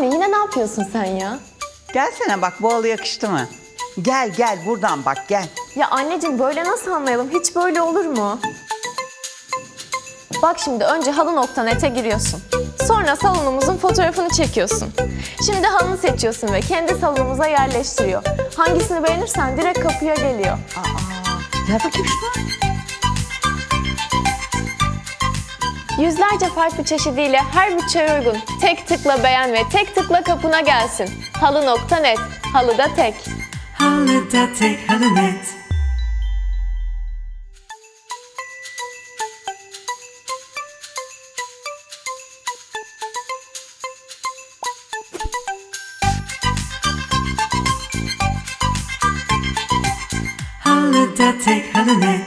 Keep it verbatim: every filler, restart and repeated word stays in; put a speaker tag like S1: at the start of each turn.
S1: Anne yine ne yapıyorsun sen ya?
S2: Gelsene bak, bu halı yakıştı mı? Gel gel buradan bak, gel.
S1: Ya anneciğim böyle nasıl anlayalım? Hiç böyle olur mu? Bak şimdi önce halı nokta net'e giriyorsun. Sonra salonumuzun fotoğrafını çekiyorsun. Şimdi halını seçiyorsun ve kendi salonumuza yerleştiriyor. Hangisini beğenirsen direkt kapıya geliyor.
S2: Aa, gel bakayım şuna.
S1: Yüzlerce farklı çeşidiyle her bütçeye uygun. Tek tıkla beğen ve tek tıkla kapına gelsin. halı nokta net. Halıda tek.
S3: Halıda tek, halı net. Halıda tek, halı net.